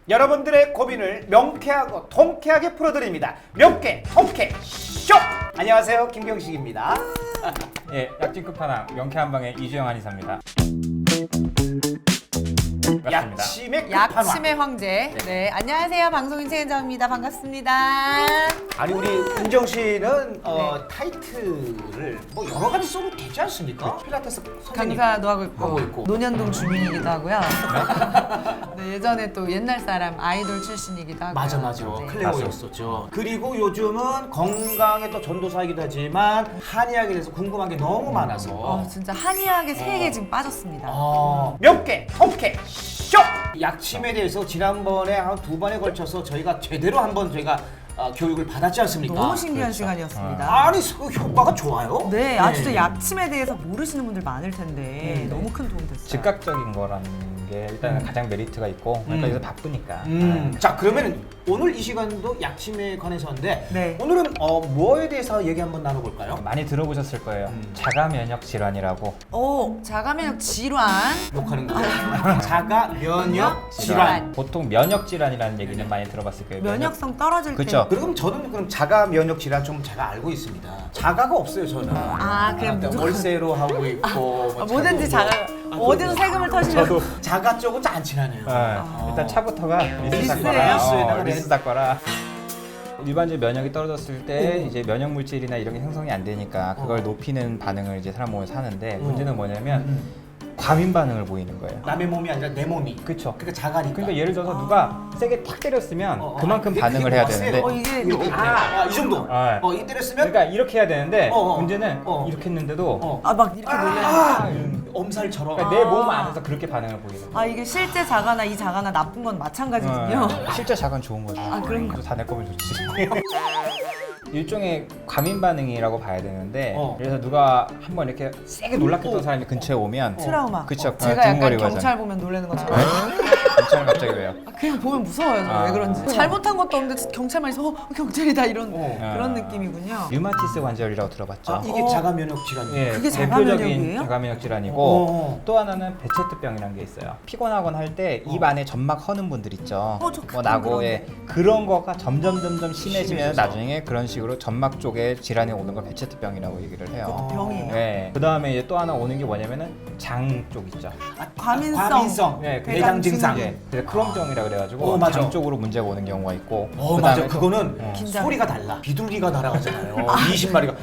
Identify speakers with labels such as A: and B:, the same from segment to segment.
A: 여러분들의 고민을 명쾌하고 통쾌하게 풀어드립니다. 명쾌 통쾌 쇼! 안녕하세요, 김경식입니다.
B: 예, 약진 끝판왕 명쾌한 방의 이주영 한의사입니다. 반갑습니다.
A: 약침의 끝판왕.
C: 약침의 황제. 네, 안녕하세요. 방송인 최은정입니다. 반갑습니다.
A: 아니 우리 은정 씨는 타이틀을 뭐 여러 가지 써도 되지 않습니까? 필라테스 선생님
C: 강사도 하고
A: 하고 있고.
C: 논현동 주민이기도 하고요. 네, 예전에 또 옛날 사람 아이돌 출신이기도 하고.
A: 맞아
C: 네.
A: 클레오였었죠. 그리고 요즘은 건강의 또 전도사이기도 하지만 한의학에 대해서 궁금한 게 너무 많아서
C: 진짜 한의학의 세계에 지금 빠졌습니다.
A: 명쾌 통쾌 쇼! 약침에 대해서 지난번에 한 2번에 걸쳐서 저희가 제대로 한번 교육을 받았지 않습니까?
C: 너무 신기한
B: 그렇죠.
C: 시간이었습니다.
A: 아니 그 효과가 좋아요?
C: 네, 진짜 약침에 대해서 모르시는 분들 많을 텐데 너무 큰 도움 됐어요.
B: 즉각적인 거라는 게 일단 가장 메리트가 있고 그러니까 요새 바쁘니까.
A: 자 그러면 오늘 이 시간도 약침에 관해서인데
C: 네.
A: 오늘은 뭐에 대해서 얘기 한번 나눠볼까요?
B: 많이 들어보셨을 거예요. 자가 면역 질환이라고.
C: 자가면역 질환.
A: 욕하는 거 자가 면역 질환.
B: 보통 면역 질환이라는 얘기는 많이 들어봤을 거예요.
C: 면역성 떨어질 때.
B: 그쵸.
A: 그럼 저는 그럼 자가 면역 질환 좀 제가 알고 있습니다. 자가가 없어요 저는.
C: 그냥 무조건.
A: 월세로 하고 있고 뭐
C: 뭐든지
A: 차도
C: 자가
A: 뭐-
C: 어디서 세금을 터시면
B: 저도
A: 자가 쪽은 안 친하네요.
B: 일단 차부터가 리스
C: 리스예요?
B: 닦아라.
A: 리스에다가
B: 리스 닦아라. 일반적인 면역이 떨어졌을 때 이제 면역 물질이나 이런 게 형성이 안 되니까 그걸 높이는 반응을 이제 사람 몸에서 하는데 문제는 뭐냐면 과민 반응을 보이는 거예요.
A: 남의 몸이 아니라 내 몸이.
B: 그쵸.
A: 그러니까 자가니까.
B: 그러니까 예를 들어서 누가 세게 탁 때렸으면 그만큼
A: 그게
B: 반응을 해야
A: 뭐
B: 되는데
A: 세요?
C: 이게
A: 이렇게. 이 정도.
B: 아.
A: 이 때렸으면
B: 그러니까 이렇게 해야 되는데
A: 어.
B: 문제는
A: 어.
B: 이렇게 했는데도
C: 막 이렇게 놀래는
A: 엄살처럼.
B: 그러니까 내 몸 안에서 그렇게 반응을 보이는 거예요.
C: 이게 실제 자가나 이 자가나 나쁜 건 마찬가지군요.
B: 실제 자건 좋은 거죠.
C: 그런 거.
B: 다 내 거면 좋지. 일종의 과민 반응이라고 봐야 되는데 그래서 누가 한번 이렇게 세게 놀랍겠던 사람이 근처에 오면
C: 트라우마.
B: 그쵸.
C: 제가 약간
B: 두근거리고
C: 경찰
B: 하잖아요.
C: 보면 놀라는 것처럼.
B: 경찰 갑자기 왜요?
C: 그냥 보면 무서워요. 저 왜 그런지. 잘못한 것도 없는데 경찰만 있어 경찰이다 이런 그런 느낌이군요.
B: 류마티스 관절이라고 들어봤죠?
A: 이게 자가 면역 질환이에요.
B: 예,
C: 그게
B: 대표적인
C: 자가면역이에요?
B: 자가면역 질환이고 또 하나는 베체트병이라는 게 있어요. 피곤하거나 할 때 입 안에 점막 허는 분들 있죠.
C: 저
B: 뭐
C: 가끔
B: 나고
C: 그러네.
B: 그런 거가 점점 심해지면
A: 심해져서.
B: 나중에 그런 식으로 점막 쪽에 질환이 오는 걸 베체트병이라고 얘기를 해요.
C: 병이에요?
B: 네. 그 다음에 이제 또 하나 오는 게 뭐냐면은 장 쪽 있죠.
C: 과민성.
B: 네,
A: 대장 증상.
B: 예, 그래서 크롬병이라 그래가지고
A: 맞아.
B: 장 쪽으로 문제가 오는 경우가 있고.
A: 맞아.
B: 그다음에 또-
A: 그거는
C: 긴장.
A: 소리가 달라. 비둘기가 날아가잖아요. 20마리가.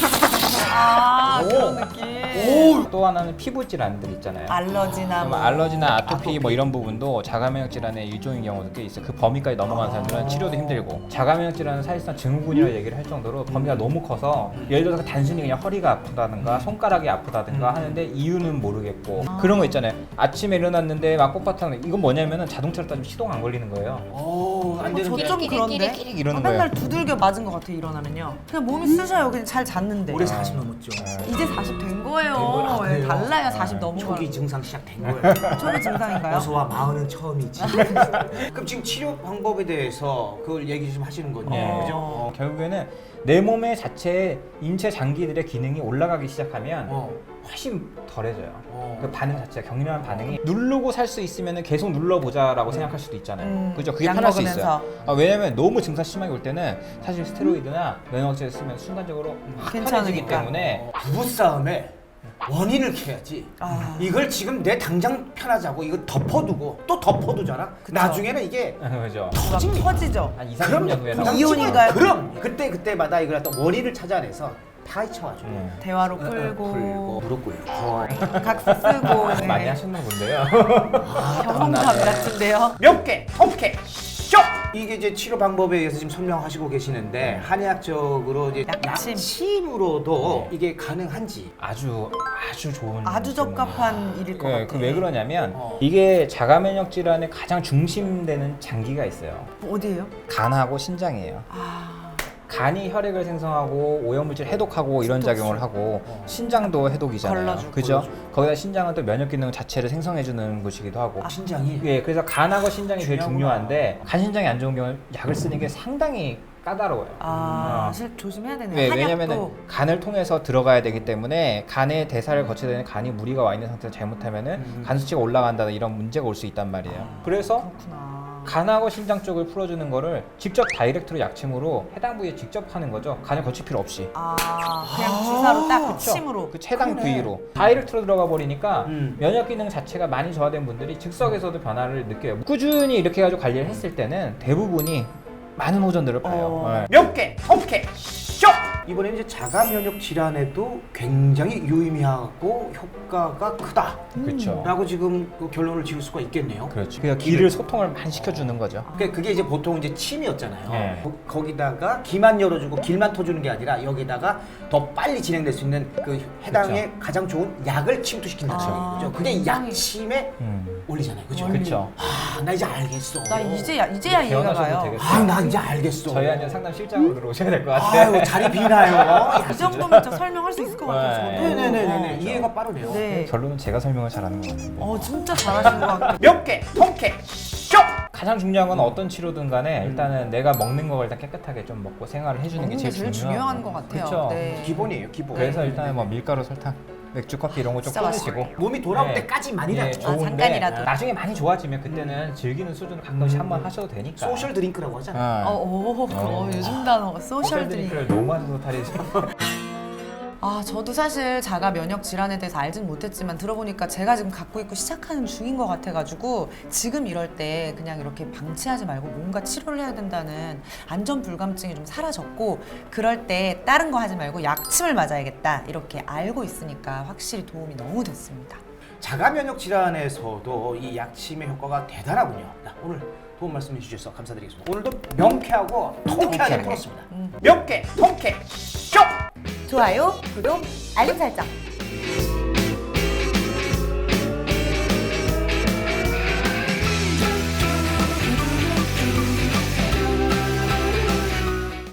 C: 그런 느낌.
B: 또 하나는 피부 질환들 있잖아요.
C: 알러지나 뭐.
B: 알러지나 아토피 뭐 이런 부분도 자가면역 질환의 일종인 경우도 꽤 있어요. 그 범위까지 넘어가는 사람들은 치료도 힘들고 자가면역 질환은 사실상 증후군이라고 얘기를 할 정도로 범위가 너무 커서 예를 들어서 단순히 그냥 허리가 아프다든가 손가락이 아프다든가 하는데 이유는 모르겠고 그런 거 있잖아요. 아침에 일어났는데 막 꼿꼿한 이건 뭐냐면은 자동차로 따지면 시동 안 걸리는 거예요.
A: 안 되는 게.
C: 저 좀 그런데
B: 이러는
C: 맨날
B: 거예요.
C: 두들겨 맞은 것 같아 일어나면요. 그냥 몸이 쑤셔요. 그냥 잘 잤는데.
A: 올해 40 넘었죠.
C: 이제 40 된 거예요.
A: 그래요?
C: 달라요. 40 넘은
A: 초기
C: 거랑.
A: 증상 시작된 거예요.
C: 초기 증상인가요?
A: 어서와 마흔은 처음이지. 그럼 지금 치료 방법에 대해서 그걸 얘기 좀 하시는 거죠.
B: 예.
A: 그죠?
B: 결국에는 내 몸의 자체 인체 장기들의 기능이 올라가기 시작하면 훨씬 덜해져요. 그 반응 자체가 격렬한 반응이 누르고 살 수 있으면 계속 눌러보자라고 생각할 수도 있잖아요. 그죠? 그게
C: 약
B: 편할 수
C: 먹으면서.
B: 있어요. 왜냐면 너무 증상 심하게 올 때는 사실 스테로이드나 면역제를 쓰면 순간적으로 확 편해지기
C: 괜찮으니까.
B: 때문에
A: 부부싸움에 원인을 캐야지. 이걸 지금 내 당장 편하자고 이거 덮어두고 또 덮어두잖아. 나중에는 이게
B: 그죠?
C: 막 터지죠.
B: 한 2, 30년 후에
A: 그럼
C: 이혼인가요?
A: 그럼 그때마다 이걸 또 원인을 찾아내서 파헤쳐가지고
C: 대화로
A: 풀고
C: 풀고
A: 무릎 꿇고
C: 각서 쓰고
B: 많이
C: 네.
B: 하셨나 본데요.
C: 경험담 같은데요.
A: 명쾌 통쾌 쇼! 이게 이제 치료 방법에 의해서 지금 설명하시고 계시는데 한의학적으로 이제
C: 약침.
A: 약침으로도 이게 가능한지.
B: 아주 좋은
C: 아주 적합한 일일 것 같아요.
B: 그 왜 그러냐면 이게 자가면역 질환의 가장 중심되는 장기가 있어요.
C: 어디예요?
B: 간하고 신장이에요. 간이 혈액을 생성하고 오염물질 해독하고 이런 작용을 하고 신장도 해독이잖아요.
C: 걸러주고.
B: 그죠? 거기다 신장은 또 면역 기능 자체를 생성해주는 곳이기도 하고.
A: 신장이
B: 예, 그래서 간하고 신장이 제일
A: 중요하구나.
B: 중요한데 간 신장이 안 좋은 경우는 약을 쓰는 게 상당히 까다로워요.
C: 사실 조심해야 되네요.
B: 왜?
C: 한약도
B: 왜냐면은 간을 통해서 들어가야 되기 때문에 간의 대사를 거쳐야 되는 간이 무리가 와 있는 상태에서 잘못하면은 간 수치가 올라간다는 이런 문제가 올 수 있단 말이에요. 그래서
C: 그렇구나.
B: 간하고 신장 쪽을 풀어주는 거를 직접 다이렉트로 약침으로 해당 부위에 직접 하는 거죠. 간을 거칠 필요 없이.
C: 그냥 주사로 딱
B: 그쵸?
C: 침으로.
B: 그 해당
A: 그러네.
B: 부위로 다이렉트로 들어가 버리니까
A: 음.
B: 면역 기능 자체가 많이 저하된 분들이 즉석에서도 변화를 느껴요. 꾸준히 이렇게 해가지고 관리를 했을 때는 대부분이 많은 호전들을 봐요. 네.
A: 몇 개, 통쾌, 쇼! 이번에는 이제 자가 면역 질환에도 굉장히 유의미하고 효과가 크다.
B: 그렇죠.
A: 라고 지금 그 결론을 지을 수가 있겠네요.
B: 그렇죠. 그러니까 기를 소통을 많이 시켜주는 거죠.
A: 그게 이제 보통 이제 침이었잖아요.
B: 네.
A: 거기다가 기만 열어주고 길만 터주는 게 아니라 여기다가 더 빨리 진행될 수 있는 그 해당의 가장 좋은 약을 침투시킨다는 얘기죠. 그게
C: 굉장히-
A: 약침에 올리잖아요. 그죠?
B: 그렇죠.
A: 아, 나 이제 알겠어.
C: 나 이제야 이해가
B: 개원하셔도
C: 가요.
B: 되겠어요.
A: 아, 나 이제 알겠어.
B: 저희한테 상담 실장으로 들어오셔야 될 것 같아요.
A: 아유, 자리 비나요.
C: 이 정도면 진짜 설명할 수 있을 것 같아요. 저도.
A: 네네네네. 이해가 빠르네요.
C: 네.
B: 결론은 제가 설명을 잘하는 것 같은데.
C: 진짜 잘하신 것 같아요.
A: 몇 개, 통쾌, 쇼!
B: 가장 중요한 건 어떤 치료든 간에 일단은 내가 먹는 거 일단 깨끗하게 좀 먹고 생활을 해주는 게
C: 먹는 게
B: 제일
C: 제일 중요한 것 같아요.
B: 그렇죠.
C: 네.
A: 기본이에요, 기본.
B: 그래서 일단은 뭐 밀가루, 설탕, 맥주, 커피 이런 거 좀
C: 진짜
B: 끊으시고
A: 몸이 돌아올
B: 네.
A: 때까지만이라도
B: 네, 좋은데
C: 잠깐이라도.
B: 나중에 많이 좋아지면 그때는 즐기는 수준을 가끔씩 한번 하셔도 되니까.
A: 소셜 드링크라고 하잖아요.
C: 요즘 단어 소셜
B: 소셜
C: 드링크.
B: 드링크를 너무 하셔서 탈이죠.
C: 저도 사실 자가 면역 질환에 대해서 알진 못했지만 들어보니까 제가 지금 갖고 있고 시작하는 중인 것 같아가지고 지금 이럴 때 그냥 이렇게 방치하지 말고 뭔가 치료를 해야 된다는 안전 불감증이 좀 사라졌고 그럴 때 다른 거 하지 말고 약침을 맞아야겠다 이렇게 알고 있으니까 확실히 도움이 너무 됐습니다.
A: 자가 면역 질환에서도 이 약침의 효과가 대단하군요. 자, 오늘 도움 말씀해 주셔서 감사드리겠습니다. 오늘도 명쾌하고 통쾌하게 풀었습니다. 몇 개, 통쾌, 쇼!
C: 좋아요, 구독, 알림 설정